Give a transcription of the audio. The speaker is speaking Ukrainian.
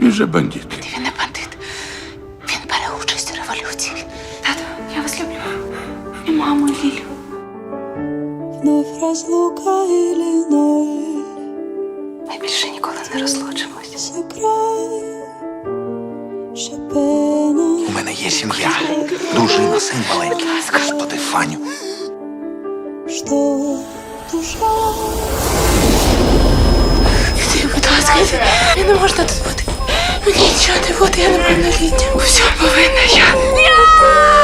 Він же бандит. Він не бандит. Він бере участь у революції. Тато, я вас люблю. І маму, і Лілю. Вновь разлука или ноль. Ми більше ніколи не розлучимось. Сыграй Шопена. У мене є сім'я, дружина, син маленький. Господи, Фаню. Что душа. Будь ласка, мені не можна тут бути. Мені нічого не буде, я неповнолітня. Все повинна я.